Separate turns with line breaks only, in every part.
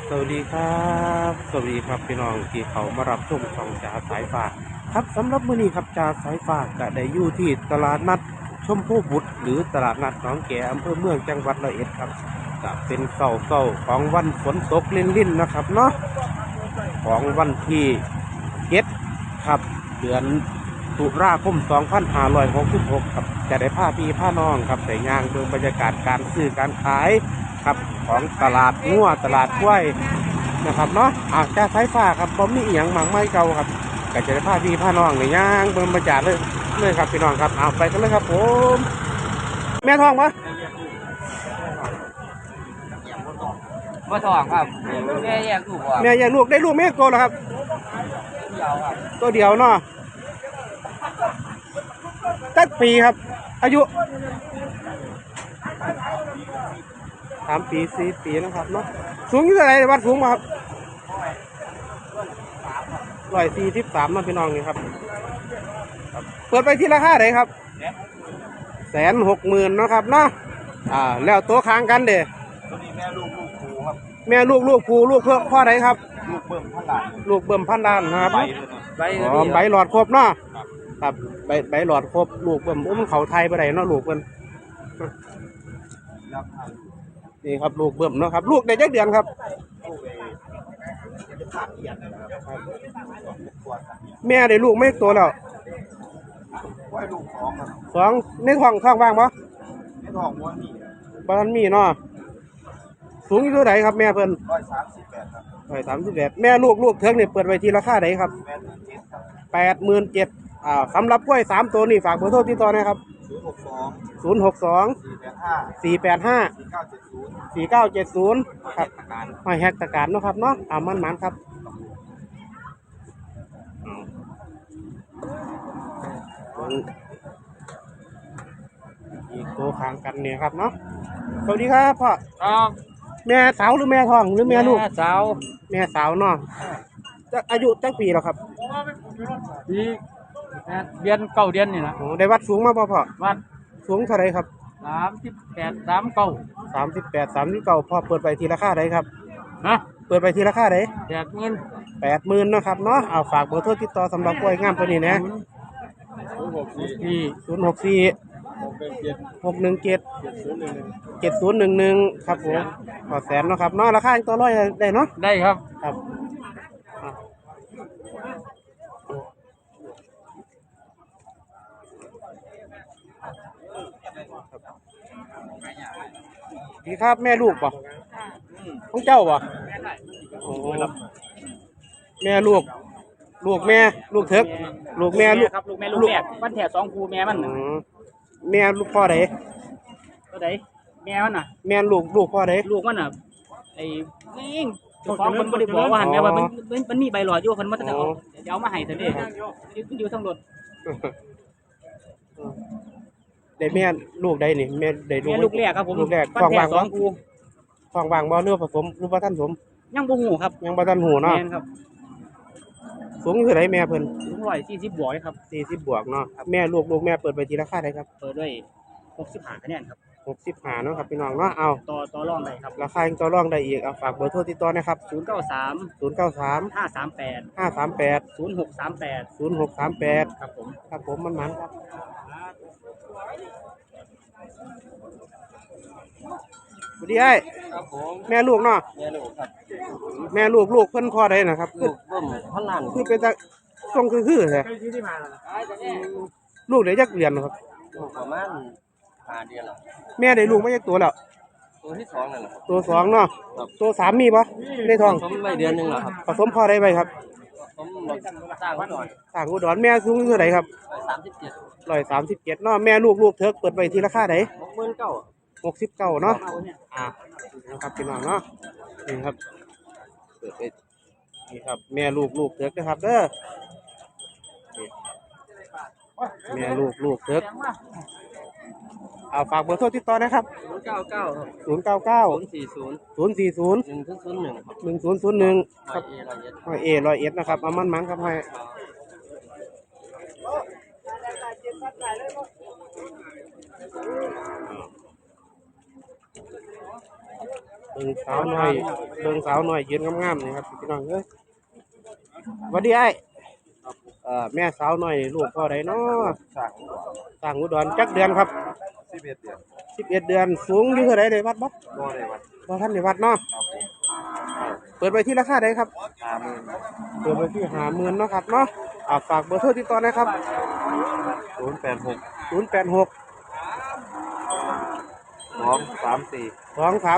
สวัสดีครับสวัสดีครับพี่น้องที่เขามารับชมช่องจ่าสายฟ้าครับสำหรับมื้อนี้ครับจ่าสายฟ้าก็ได้อยู่ที่ตลาดนัดชมพู่บุตรหรือตลาดนัดหนองแกอำเภอเมืองจังหวัดร้อยเอ็ดครับก็เป็นเสาของวันฝนตกลิ่นๆนะครับเนาะของวันที่เจ็ดครับเดือนตุลาคม2566ครับจะได้ผ้าพี่ผ้าน้องครับใส่ยางเบืองบรรยากาศการซื้อการขายครับของตลาดงัวตลาดกล้วยนะครับเนาะจะสายฟ้าครับผมมีอีหยังหมังไม้เก่าครับก็จะได้ผ้าพี่ผ้าน้องในย่างเบืองบรรยากาศเลยครับพี่น้องครับเอาไปกันเลยครับผมแม่ทองปะ
มาทองครับแม่แยกลูกอ่ะ
แม่ยังลูกได้ลูกแม่โตแล้วครับ
เดียวครับ
ตัวเดียวเนาะตั้งปีครับอายุ3 ปี4 ปีนะครับเนาะสูงอยู่เท่าไหร่วัดสูงมาครับ143นะพี่น้องนี่ครับเปิดไปที่ราคาไหนครับ160,000เนาะครับเนาะแล้วตัวค้างกันเด้
ตัวนี้แม่ลูกครูครับ
แม่ลูกผูลูกเพื่อพ่อไหนครับ
ลูกเบิ่มพันล้าน
ลูกเบิ่มพันล้านนะครับ
ใบ
ใบหลอดครบเนาะครับใบหลอดครบลูกเบิ่มมันเขาไทยไปไหนเนาะลูกเบิ่มนี่ครับลูกเบิ่มเนาะครับลูกได้จักเดือนครับแม่ได้ลูกไม่โตแล้ว
ว่าลูกสองครับ
2ในท้องว่างปะ
ในท้องม้วนนี่
บ้านมีเนาะสูงอยู่เท่าไหร่ครับแม่เพิ่น
138ครับ
138แม่ลูกเทิงนี่เปิดไว้ที่ราคาไหนครับ87,000สำหรับกล้วย3ตัวนี่ฝากเบอร์โทรติดต่อนะครับ062 485 4970ครับหอยแฮกตะการเนาะครับเนาะมันครับอีกตัวค้างกันเนี่ยครับเนาะสวัสดีครับพ่อ
ครับ
แม่สาวหรือแม่ทองหรือแม่ลูก
สาว
แม่สาวเนาะอายุจักปีแล้วครับ
ปีเดือนเก้าเดือนนี่นะ
ได้วัดสูงมาพ่อ
วัด
สูงเท่าไรครับ
38 39
39พ่อเปิดไปทีราคาไหนครับ
ฮะ
เปิดไปทีราคาไหน
80,000
นะครับเนาะเอาฝากเบอร์โทรติดต่อสำหรับกล้วยงามตัวนี้นะ064 617 7011ครับผมขอแสนเนาะครับเนาะราคาตัวร้อยได้เนาะ
ได้ครับ
ครับดีครับแม่ลูกป่ะของเจ้าป่ะโอ้แม่ลูกแม่ลูกเถิกลูกแม่ลูก
ครับลูกแม่มันแถว2 คูแม่มัน
แม่ลูกพ่อไหน
ตัวไหนแม่มันน่ะ
แม่ลูกพ่อไหน
ลูกมันน่ะไอ้นี่ฟ้องมันไม่ได้บอกว่าหันแม่ว่ามันมีใบหลอดอยู่คนมันจะเอามาให้ซะดิอยู่ทั้งรถ
ได้แม่ลูกได้นี่แม่ได้
ลูกแรกครับผม
ลูกแรกฟองวางบ่เนื้อผสมรูปท่านสม
ยังบ่หูครับ
ยังบ่ทันหูเนาะสูงเท่าไหร่แม่เพิ่น
สูง140บวกครับ
40บวกเนาะแม่ลูกแม่เปิดไปทีราคาได้ครับ
เปิดด้วย65คะแนนครับ
65เนาะครับพี่น้องเนาะเอา
ต่อรองได้ครับ
ราคายังต่อรองได้อีกเอาฝากเบอร์โทรติดต่อนะครับ093 538 0638
ครับผม
มันครับสวัสดีไอ้
ครับผม
แม่ลูกเนาะ
แม่ลูกครับ
แม่ลูกเพิ่นพ่อได้นะครับ
ลูกเบิ่มพันล้าน
คือเป็นตาทรงคือแท้ลูกได้จักเดือนครับ
ลูกประมาณ5 เดือนแล้ว
แม่ได้ลูกมาจักตัวแล้ว
ตัวที่2นั่นแหละ
ตัว2เนาะตัว3มีบ่ในท้อง
ผสมไว้เดือนนึงแล้วครับ
ผสมพ่อได้ไปครับ
ผสมสร้าง
อุดรแม่สูงเท่าไหร่ครับ137เนาะแม่ลูกเถิกเปิดไปทีราคาไหน69เนาะนะครับพี่น้องเนาะนี่ครับเปิดไปนี่ครับแม่ลูกเถิกนะครับเด้อแม่ลูกเถิกฝากเบอร์โทรติดต่อนะครับ099 040 1001ครับ101นะครับมันครับให้เบิ่งสาวน้อยยืนงามๆนี่ครับพี่น้องเอ้ยสวัสดีไอ้แม่สาวน้อยลูกพ่อใดเนาะสร้างอุดรจักเดือนครับ11 เดือนสูงอยู่เท่าไรเลยวัดบ่บ่ท่านได้วัดเนาะเปิดไปที่ราคาใดครับเปิดไปที่50,000เนาะครับเนาะฝากเบอร์โทรติดต่อนะครับ
086
086
234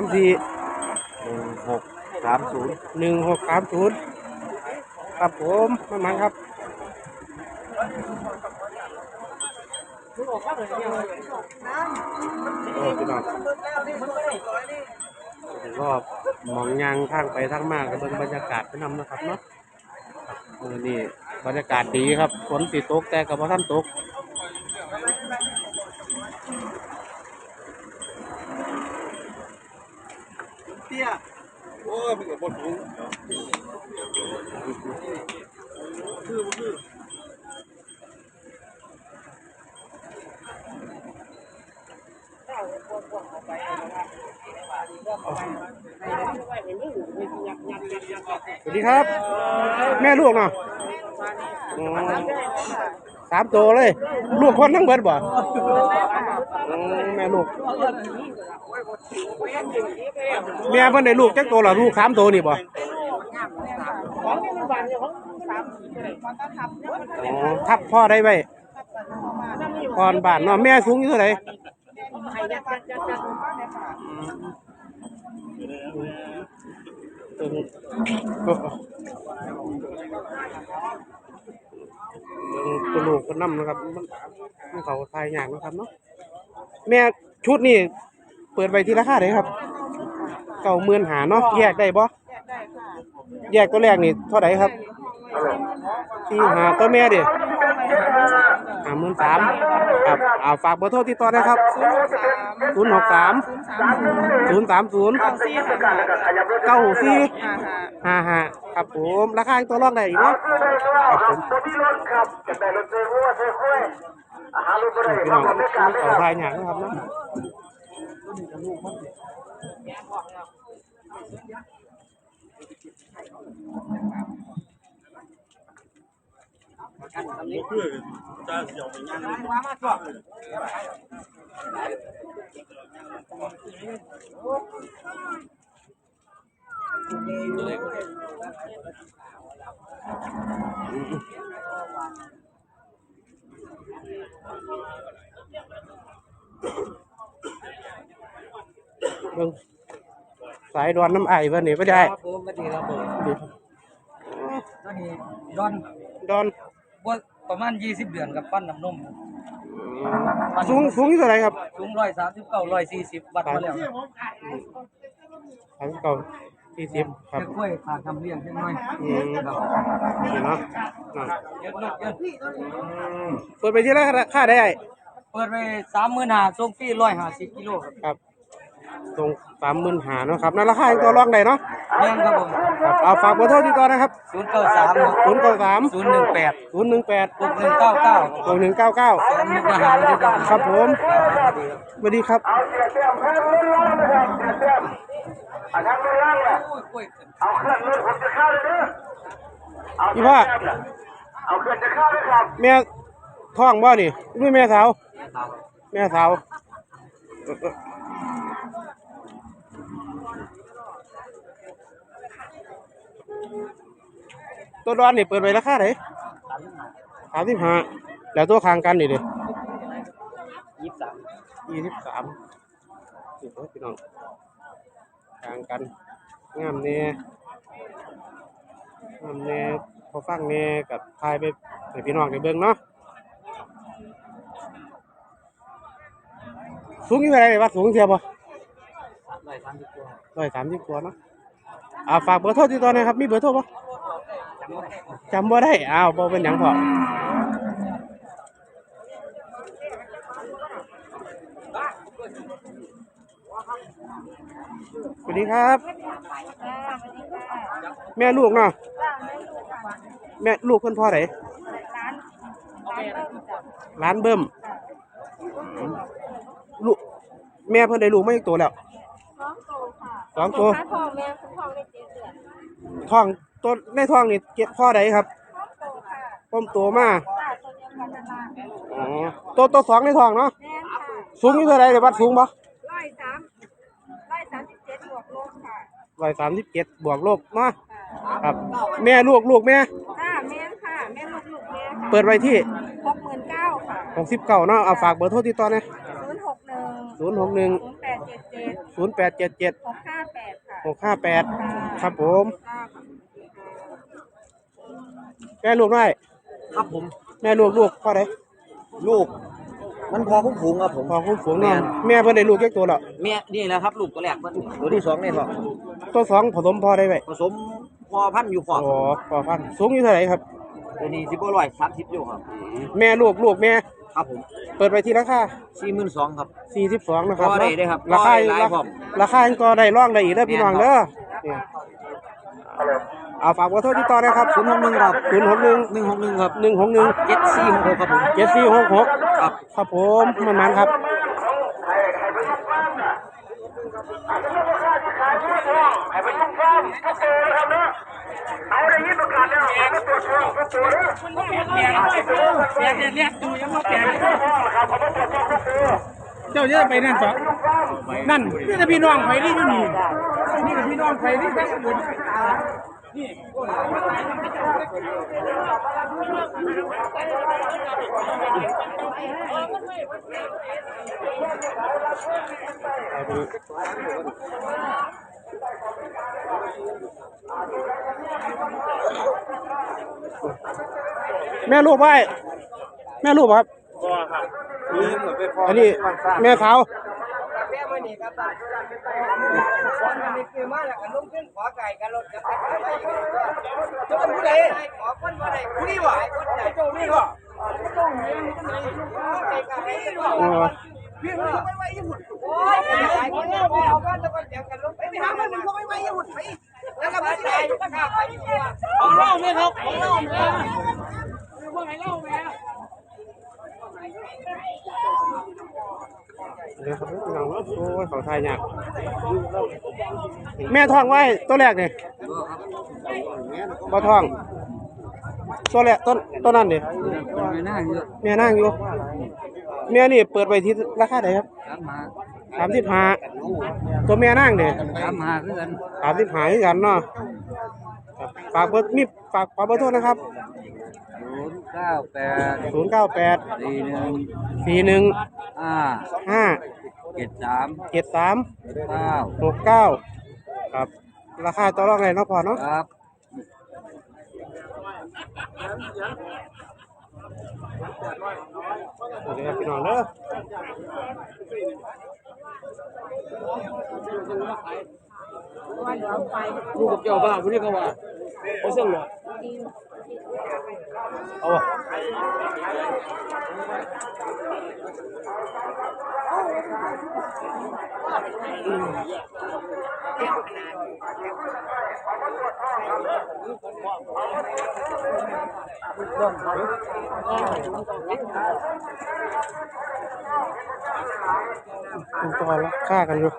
234
1630
1630ครับผมมันครับโอ้พี่น้องรอบมองยางทางไปทางมาก็เบิ่งบรรยากาศไปนำนะครับเนาะนี่บรรยากาศดีครับฝนติดตกแต่กับว่าท่านตก
เตี้ยโอ้ยมันก็บ่ถูก
สวัสดีครับ แม่ลูกเนาะ3 ตัวเลย ลูกคนทั้งเบิดบ่แม่ลูกแม่เพิ่นได้ลูกจักตัวล่ะลูก3 ตัวนี่บ่ทับพ่อได้ไว้ก่อนบ้านเนาะแม่สูงอยู่เท่าไหร่ตัวลูกก็นำนะครับมันเขาทายอย่างนะครับเนาะแม่ชุดนี่เปิดไปที่ราคาไหนครับ90,000เนาะแยกได้บ่แยกตัวแรกนี่เท่าไหร่ครับ45ตัวแม่ดิ53,000ครับฝากเบอร์โทรติดต่อได้ครับ063 030 9455ครับผมราคาตัวรองได้อีกเนาะครับผมพี่น้องเขาทายอย่างนะครับเนาะเบิ่งสายดอนน้ำไอเพิ่นนี่บ่ได้
ครับผมสวัสดีครับผมตอนนี้
ดอน
บ่ประมาณ20เดือนกับปั้นน้ำนม
สูงอยู่เท่าไหร่ครับ
สูง139 140วัดมาแล้ว
39 40ครับ
กล้วยขาดทำเลี้ยงจังหน่อย
นี่เนาะ
เยอะลูกเยอะ
เปิดไปที่ราคาได้
เปิดไป35,000ส่งฟรี150กิโลครับ
ตรง35,000เนาะครับนั่นราคาตัวรองได้เนาะ
แม่นครับผม
ครับฝากเบอร์โทรติดต่อนะครับ
093
018
018
6199
มุกดาหารที่ต้อง
ครับผมสวัสดีครับพี่พ่อแม่ท้องบ่นี่ไม่แม่สาวแม่สาวตัวดอนนี่เปิดไปราคาไหน35แล้วตัวคางกันนี่ดิ23นี่พี่น้องคางกันงามแน่พอฟังแน่กับทายไปให้พี่น้องได้เบิ่งเนาะสูงอยู่เท่าไหร่วะสูงเทียบบ่130 กว่าเนาะฝากเบอร์โทรติดต่อหน่อยครับมีเบอร์โทรบ่จำบ่ได้บ่เป็นหยังพอสวัสดีครับแม่ลูกเนาะแม่ลูกเพิ่นพ่อไหนร้านเบิ่มลูกแม่เพิ่นได้ลูกมาอีกตัวแล้ว 2 ตัว
ขาทองแม่คุณทองได้7 เดือน
ท้องตัวในท้องนี่เก็บข้อใดครับ
ครอบโตค่ะ
ต้มตัวมา
ตาตัวเดียวกันนั่นล่ะแม่
อ๋อตัวสองในท้องเนาะ
ค่ะ
สูงอยู่เท่าไรเดี๋ยววัดสูงบ่
137บวกลบค่ะ
137บวกลบมา
ค่ะ
ครับ แม่ลูกแม่
ค่ะแม่ค่ะแม่ลูกแม่ค่ะ
เปิดไว้ที่
69,000ค่ะ
69เนาะเอาฝากเบอร์โทรติดต่อหน่อย
061
061
0877
087
658ค่ะ
658ครับผม
ค่ะ
แม่ลูกน้อย
ครับผม
แม่ลูกพ่อใด
ลูก มันพอคุ้มฝูงครับผม
พ่อคุ้มฝูงเนาะแม่เพิ่นได้ลูกจักตัวแล้ว
แม่นี่แหละครับลูกตัวแรกมันตัวที่สองในท้อง
ตัวสองผสมพ่อได้ไว้
ผสมพอพันธุ์อยู่ขอบ
อ๋อพ่อพันธุ์สูงอยู่เท่าไหร่ครับ
ตัวนี้สิบร้อย30อยู่ครับ
แม่ลูกแม่
ครับผม
เปิดไปที่ราคา
42,000ครับ
42นะครับ
ก็ได้เด้อครับ
ราคา
ก็ได้หลายพร้อม
ราคายังก็ได้ร่องได้อีกเด้อพี่น้องเด้อเนี่ยเอาฝากเบอร์โทรติดต่อนะครับ
061ครับ
061
161ครับ
161
7466ครับผม
7466
ครับ
ครับผมมันครับเจ้าจะไปนั่นสองนั่นนี่จะพี่น้องไฟนี่อยู่นี่นี่จะพี่น้องไฟนี่ทั้งหมดแม่ลูกไว้แม่ลูกครับอันนี้แม่ขาว
แม่ไม่หนีครับคนมันนี่คือมาแล้วก็ลุ่มขึ้นขอไก่กันรถจะไปไปอยู่จะเป็นผู้ใดขอคนผู้ใดผู้นี้วะคนไหนโจนี่วะต้องเลี้ยงคนไหนไก่กันไก่กันวะพี่มึงไม่ไหวญี่ปุ่นโอ้ยไก่คนนี้พอเอากันแล้วก็เดี๋ยวกันลงไปหามันมึงก็ไม่ไหวญี่ปุ่นไปแล้วก็ไม่ได้ข้าไปอยู่ว่ะของเล่าไหมครับของเล่าไหมว่าไงเล่าไหม
เดี๋ยวครับพี่น้องโอ้ยเขาทายยากแม่ท้องไว้ตัวแรกนี่บ่ท้องตัวแรกต้นนั้นดิแม่นั่งอยู่แม่นี่เปิดไปที่ราคาไหนครับ35ตัวแม่นั่งดิ35คือกันเนาะฝากเบอร์ฝากเบอร์โทรนะครับ098 41 5 73 69ครับราคาต่อรองไงเนาะพ่อเนาะครับเดี๋ยวพี่น้องเด้อลูกกับเจ้าบ้าพวกนี้เขาว่าเขาเสื่อมเหรอเอาวะเป็นตัวละฆ่ากันอยู่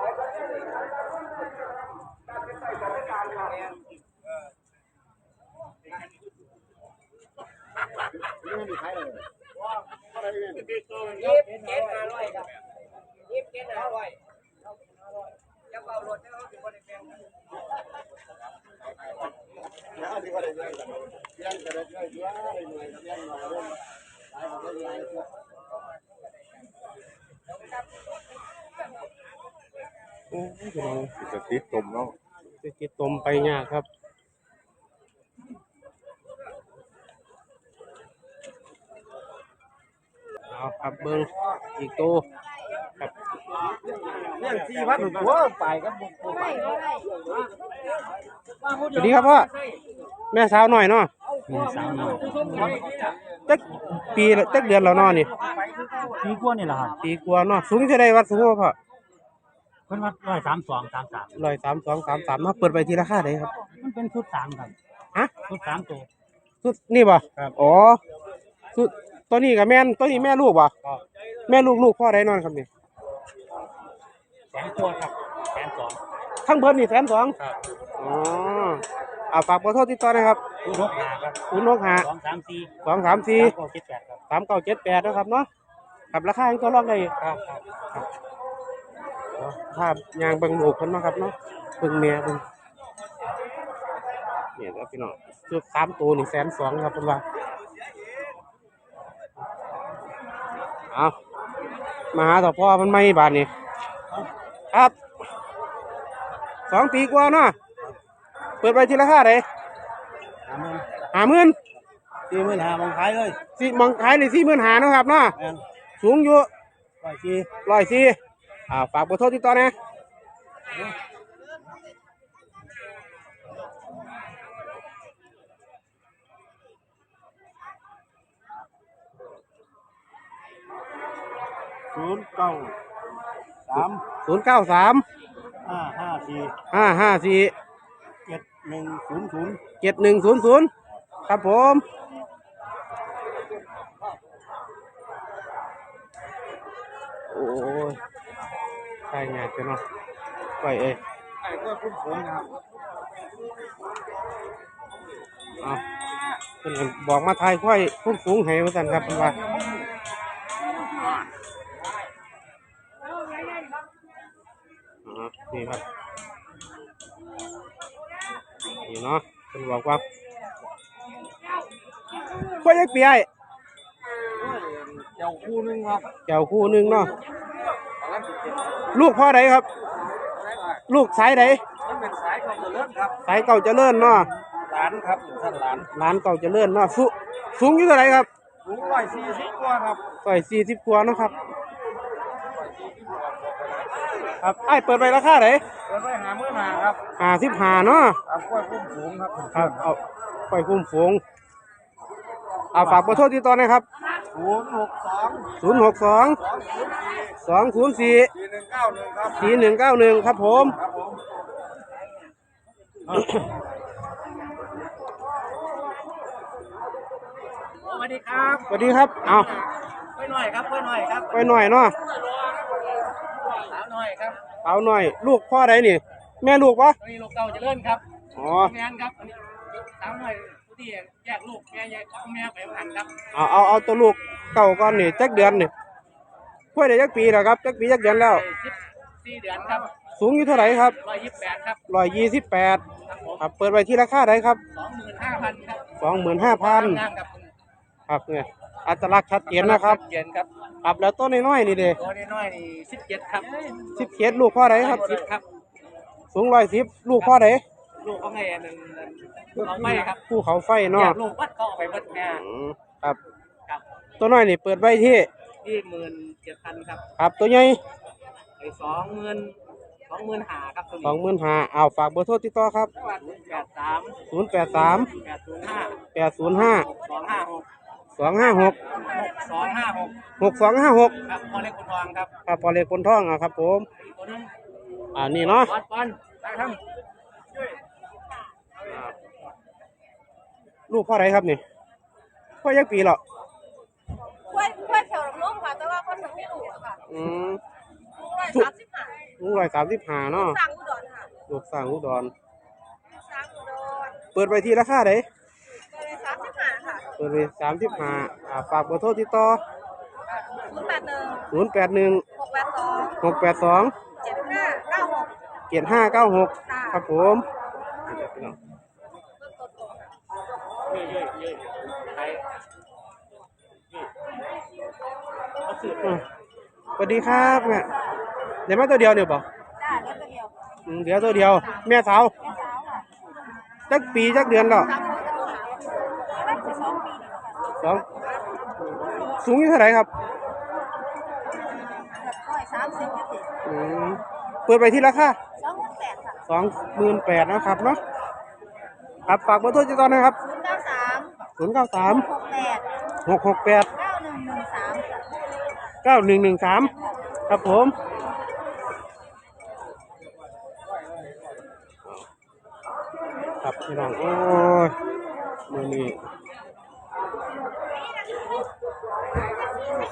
โอ้ยพี่น้อง
จะติดตมเนาะ
จะกินตมไปยากครับเอาครับเบิ้งอีกตัวครับ
เนี่ย4,000หัวไปครับ
สวัสดีครับพ่อแม่สาวหน่อยเนาะจักปีละจักเดือนแล้วเนาะนี่
ปีกว่านี่แหละครับ
ปีกว่าเนาะสูงเท่าใดวัดสูงบ่พ่อ
เพิ่นว่า132 33
132 33เนาะเปิดไปทีราคาได้ครับ
มันเป็นชุด3ครับ
ฮะ
ชุด3ตัว
สุดนี่บ่
ครับ
อ๋อสุดตัวนี้กับแม่นตัวนี้แม่ลูกบ่แม่ลูกพ่อได้นอนครับนี่
แสนตัวครับแสนสอง
คทั้งเบิร์ดนี่120,000
ครับ
อ๋อเอาฝากเบอร์โทรติดต่อหนะครับ
065ครับ
065
234
234
3978ครับ
3978นะครับเนาะกับราคายังตัวรองได้อยู่
ครับ
ภาพยางเบิ่งลูกเพิ่นเนาะครับเนาะเบิ่งเมียเบิ่งเนี่ยครับพี่น้องเกือบ3ตัวนี่120,000ครับเพิ่นว่าเอามาหาต่อพ่อมันไม่บาทนี่ครับ2 ปีกว่าเนาะเปิดไปทีราคาไหน50,000
45,000มองขายเลย
สิมองขายใน45,000เนาะครับเนาะ
แม่น
สูงอยู่
140
ฝากเบอร์โทรติดต่อนะ
093
093
554
554
7100
7100ครับผมโอ้ยใช่งานกันเนาะไปเอ้ย
ไอ้ก็คุ้มผมนะครับ
เอาเพิ่นก็บอกมาทายค่อยพุ่งสูงให้ว่าซั่นครับเพิ่นว่านี่ครับนี่เนาะเพิ่นบอกว่าค่อยยักปีไอ้
เจ้าคู่นึงครับ
แก้วคู่หนึงเนาะลูกพ่อใดครับ ลูกสายใด
มันเป็นสายของเจริญครับ
สายเก่าเจริญเนาะ
หลานครับท่านหลาน
ร้านเก่าเจริญเนาะสูงอยู่เท่าไหร่ครับ
สูง140กว่าครับ
40กว่าเนาะครับครับไอ้เปิดไปราคาไหน
เปิดไว้50,000ครับ
55เนาะ
เอากล้วยคุ้มสูงครับ
ครับเอาไปคุ้มฝูงเอาฝากเบอร์โทรติดต่อหนะครับ
062
062 204
4191ครับ
4191ครับผม
ครับผม
สวัสดีครับ
สวัสดีครับเอา
ไปหน่อยครับไปหน่อยครับ
ไปหน่อยเนาะ
สาวหน่อยครับ
เอาหน่อยลูกพ่อใดนี่ แม่ลูกปะ
อันนี้ลูกเก่าเจะเลื่อนครับ
อ๋อ
แม่นครับอันนี้สาวหน่อยผู้ที่แยกลูกแม่แยกแม่ไปหันครับ
เอาตัวลูกเก่าก่อนนี่จักเดือนนี่พ่อได้จักปีแล้วครับจักปีจักเดือนแล้ว
14 เดือนครับ
สูงอยู่เท่าไหร่ครับ
128ครับ
128
ครับผม
ครับเปิดไปที่ราคาไหนครับ
25,000ครับ
25,000
งามครับ
ครับเนี่ยอัตลักษณ์ชัดเจนนะครับ
เย็นครับ
ครับแล้วต้นน้อยๆนี่เด้
ตัวน้อยๆนี่17ครับ
17ลูกพ่อใดครับ
10ครับ
สูง110ลูกพ่อใด
ลูกเขาไงนั่นเอาไปครับ
ภูเขาไฟ
แย
เนาะ
กลูกวัดเขาเอาไปวัดแม่
ครับ
ครับ
ตัวน้อยนี่เปิดไว้ที่
ที่17,000ครับ
ครับตัวใหญ่
ไอ้25,000ครับตัวนี้
25,000เอาฝากเบอร์โทรติดต่อครับ
83
083
805
805
256
256
6256
6256
ครับพอเล็กคนทองครับ
ครับพอเล็กคนท่องครับผม
อีกตัวหนึง
นี่เนาะ
ปอนได้ครับ
ลูกพ่อใดครับนี่พ่อยักปีหรอก
ล้วยแถวลำน้องค่ะ แต่ว่าคนถึงไม่รู้อะค่ะ
ลุง135เนาะ
สั่งอุดรค่ะ
ลูกสร้างอุดร
สั่งอุดร
เปิดไปที่ราคาไหน
เลย35ค่ะ
เปิดไป35ฝากเบอร์โทรติดต่อ
081
081
682
682
7596
7596ครับผม
เยอะไปเขาสืบ
สวัสดีครับเนี่ยเดี๋ยวมาตัวเดียวเนี่ยบ่
จ้าแล้วตัวเดียว
เดี๋ยวตัวเดียว แม่สาว
แม่สาวค่ะ
จักปีจักเดือนแล้ว
3 คนจะตัวหาแล้วจะ2 ปีนี่ค่ะ
สองสูงอยู่เท่าไหร่ครับ
130อยู่ติ
เปิดไปที่ราคา
28,000ค่ะ
28,000นะครับเนาะครับฝากเบอร์โทรติดต่อนะครับ
093
093
68
668
9113
9113ครับผมครับพี่น้องโอ้ยมือนี้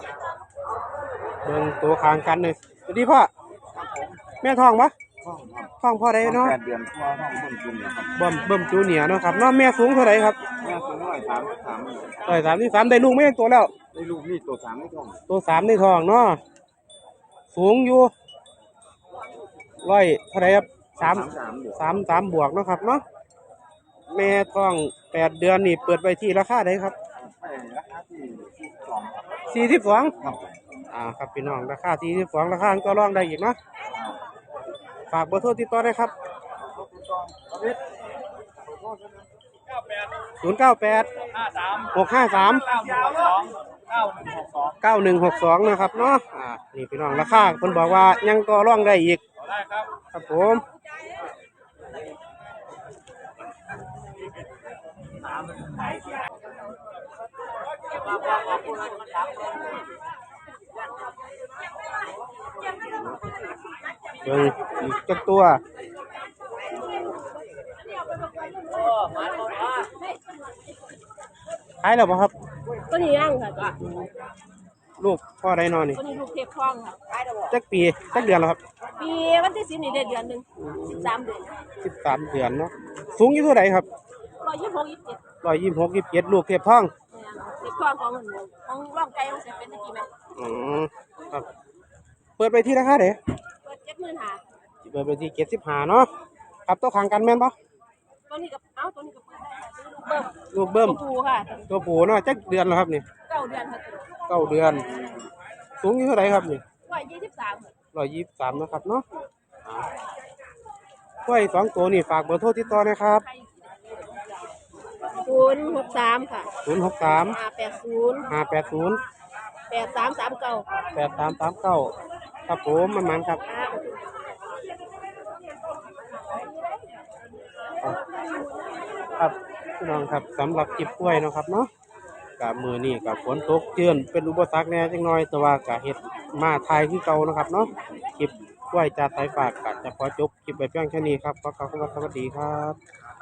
เบิ่งตัวคางกันเลยสวัสดีพ่อแม่ทองปะ
ห้องครับ
ท้องพ่อใดเนาะ
8 เดือนพ่อท้องเบิ่งจุ่มเนี่ยครับ
เบิ่มจูเนียร์เนาะครับเนาะแม่สูงเท่าไหร่ครับ
แม่สูง133
133ได้ลูกไม่ยังตัวแล้ว
ได้ลูกนี่ตัว3ไม่ท้อง
ตัว3ในท้องเนาะสูงอยู่เท่าไหร่ครับ3 บวกเนาะครับเนาะแม่ท้อง8 เดือนนี่เปิดไปที่ราคาใดครับ
ไปราคาที่2ครับ
42
ครับ
ครับพี่น้องราคา42ราคาก็รองได้อีกเนาะฝากเบอร์โทรติดต่อได้ครับ098 653 9162นะครับเนาะนี่พี่น้องราคาเพิ่นบอกว่ายังก็รองได้อีกครับผมเบิ่งอีกจักตัวขายแล้วบ่ครับ
ตัวนี้ย่างค่ะ
ลูกพ่อใดนอนนี่
ตัวนี้ลูกเทพทองค่ะขายได้บ่
จักปีจักเดือนแล้วครับ
ปีวันที่10นี่ได้เดือนหนึง13เดือน
13 เดือนเนาะสูงอยู่เท่าไหร่ครับ
126 27
126 27ลูกเทียบท้อง
เทพทองของร่องไก่ของเสียเป็นตะกี้แม่
อืมครับเปิดไปที่ราคาเด้
เปิด75,000
เปิดไปที่75เนาะครับตัวขังกันแม่นบ่
ตัวนี้ก็ตัวนี้ก็เปิดได้ค่ะลูกเบิ่ม
ลูกเบิ่ม
ตัวผู้ค่ะ
ตัวผู้เนาะจักเดือนแล้วครับนี่
9 เดือนค่ะ
9 เดือน สูงอยู่เท่าไหร่ครับนี่
123ค่ะ
123นะครับเนาะกล้วย2ตัวนี่ฝากเบอร์โทรติดต่อนะครับ
063ค่ะ
063
580
580
8339
8339ครับผมมันครับครับพี่น้องครับสำหรับคลิปกล้วยเนาะครับเนาะกับมือนี่กับฝนตกเจือนเป็นอุปสรรคแหน่จังน้อยแต่ว่ากับเฮ็ดมาทายคือเก่านะครับเนาะคลิปกล้วยจากสายฝากก็จะขอจบคลิปไปเพียงแค่นี้ครับขอกล่าวคำว่าสวัสดีครับ